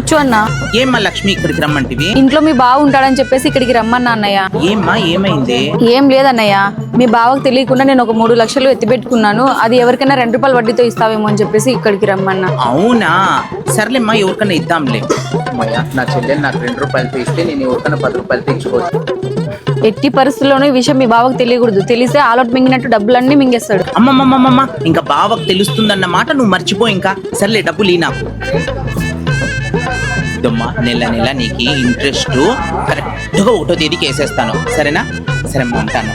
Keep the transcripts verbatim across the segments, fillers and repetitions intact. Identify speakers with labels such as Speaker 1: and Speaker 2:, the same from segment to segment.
Speaker 1: కూర్చో అన్న.
Speaker 2: ఏమ్మా లక్ష్మి ఇక్కడికి రమ్మంటివి?
Speaker 1: ఇంట్లో మీ బావ ఉంటాడని చెప్పేసి ఇక్కడికి రమ్మన్నా అన్నయ్య.
Speaker 2: ఏమ్మా ఏమైంది?
Speaker 1: ఏం లేదన్నయ్య, మీ బావకు తెలియకుండా నేను ఒక మూడు లక్షలు ఎత్తిపెట్టుకున్నాను. అది ఎవరికైనా రెండు రూపాయలు వడ్డీతో ఇస్తావేమో అని చెప్పేసి ఇక్కడికి రమ్మన్నా.
Speaker 2: అవునా, సర్లేమ్మా ఎవరికైనా ఇద్దాంలే. అమ్మయ్య, నా చెల్లెలు నాకు రెండు రూపాయలతో ఇస్తే నేను ఎవరికైనా పది రూపాయలతో ఇచ్చుకోవచ్చు.
Speaker 1: ఎట్టి పరిస్థితుల్లోనూ ఈ విషయం మీ బావకు తెలియకూడదు. తెలిస్తే ఆలోట్ మింగినట్టు డబ్బులన్నీ మింగేస్తాడు.
Speaker 2: అమ్మమ్మమ్మమ్మ, ఇంకా బావకు తెలుస్తుందన్న మాట నువ్వు మర్చిపో. ఇంకా సర్లే డబ్బులు ఈ నాకు. ఇదమ్మా నెల నెల నీకు ఇంట్రెస్ట్ కరెక్ట్గా ఒకటో తేదీకి వేసేస్తాను, సరేనా? సరే ఉంటాను.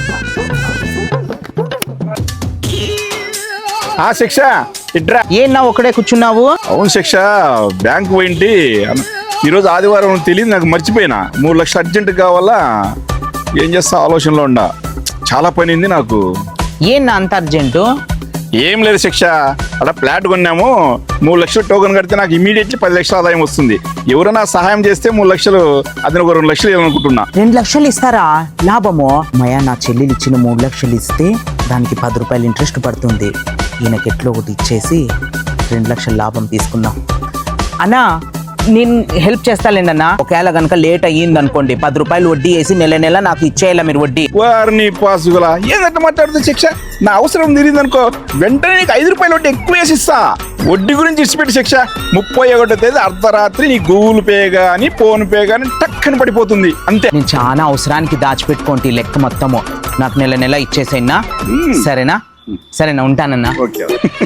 Speaker 3: ఆ శిక్ష ఇట్రా.
Speaker 2: ఏనా ఒకడే కూర్చున్నావు?
Speaker 3: అవును శిక్ష, బ్యాంకు పోయింటి ఈరోజు ఆదివారం తెలియదు నాకు, మర్చిపోయినా. మూడు లక్షలు అర్జెంట్ కావాలా, ఏం చేస్తా ఆలోచనలో ఉండా. చాలా పని ఉంది నాకు.
Speaker 2: ఏనా అంత అర్జెంటు?
Speaker 3: ఏం లేదు శిక్ష, అక్కడ ఫ్లాట్ కొన్నాము. మూడు లక్షలు టోకెన్ కడితే నాకు ఇమీడియట్లీ పది లక్షల ఆదాయం వస్తుంది. ఎవరైనా సహాయం చేస్తే మూడు లక్షలు అతను ఒక రెండు లక్షలు ఇవ్వాలనుకుంటున్నా.
Speaker 2: రెండు లక్షలు ఇస్తారా లాభము? మయా నా చెల్లెలు ఇచ్చిన మూడు లక్షలు ఇస్తే దానికి పది రూపాయలు ఇంట్రెస్ట్ పడుతుంది. ఈయనకి ఎట్లో ఒకటి ఇచ్చేసి రెండు లక్షల లాభం తీసుకుందాం. అన్నా నేను హెల్ప్ చేస్తాలేండన్నా. ఒకవేళ కనుక లేట్ అయ్యింది అనుకోండి, పది రూపాయలు వడ్డీ వేసి నెల నెల నాకు ఇచ్చేయాల మీరు వడ్డీ.
Speaker 3: వారిని పాసుగులా ఏంటంటే మాట్లాడుతుంది శిక్ష. నా అవసరం తిరిగింది అనుకో, వెంటనే నీకు ఐదు రూపాయలు వడ్డీ ఎక్కువ వేసి ఇస్తా. వడ్డీ గురించి ఇచ్చిపెట్టి శిక్ష. ముప్పై ఒకటో తేదీ అర్ధరాత్రి నీ గూగుల్ పే గానీ ఫోన్ పే గానీ టక్కన పడిపోతుంది అంతే.
Speaker 2: నేను చాలా అవసరానికి దాచిపెట్టుకోండి లెక్క మొత్తము. నాకు నెల నెల ఇచ్చేసేనా? సరేనా? సరేనా, ఉంటానన్నా.
Speaker 3: ఓకే.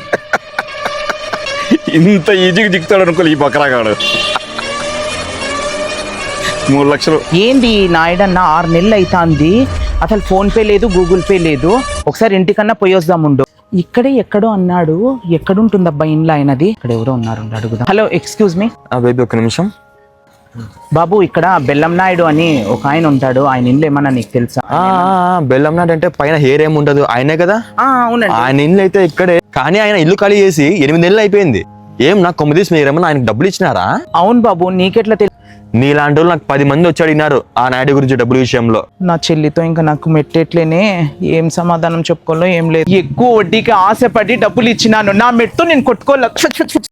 Speaker 3: ఇంత ఈజీగా దిగుతాడు అనుకోలే ఈ బకరాగాడు. మూడు లక్షలు
Speaker 2: ఏంది నాయుడన్న, ఆరు నెలలు అవుతుంది అసలు ఫోన్ పే లేదు, గూగుల్ పే లేదు. ఒకసారి ఇంటికన్నా పోయి వద్దాముండు. ఇక్కడే ఎక్కడో అన్నాడు, ఎక్కడుంటుందబ్బా ఇంట్లో ఆయనది? ఇక్కడ ఎవరో ఉన్నారు, అడుగుదాం. Hello, excuse me.
Speaker 4: బేబీ ఒక నిమిషం.
Speaker 2: బాబు, ఇక్కడ బెల్లం నాయుడు అని ఒక ఆయన ఉంటాడు, ఆయన ఇంట్లో ఏమన్నా నీకు తెలుసా?
Speaker 4: బెల్లం నాయుడు అంటే పైన హెయిర్ ఏమి ఉండదు, ఆయనే కదా?
Speaker 2: అవునండి.
Speaker 4: ఆయన ఇల్లు అయితే ఇక్కడే, కానీ ఆయన ఇల్లు ఖాళీ చేసి ఎనిమిది నెలలు అయిపోయింది. ఏం నాకు కొమ్మిదీసి మీరేమన్నా ఆయనకు డబ్బులు ఇచ్చినారా?
Speaker 2: అవును బాబు, నీకెట్లా తెలుసు?
Speaker 4: నీలాంటి వాళ్ళు నాకు పది మంది వచ్చి అడిగినారు ఆ నాయుడు గురించి డబ్బుల విషయంలో.
Speaker 2: నా చెల్లితో ఇంకా నాకు మెట్టేట్లేనే, ఏం సమాధానం చెప్పుకోవాలో ఏం లేదు. ఎక్కువ వడ్డీకి ఆశపడి డబ్బులు ఇచ్చినాను, నా మెట్టు నేను కొట్టుకోలే.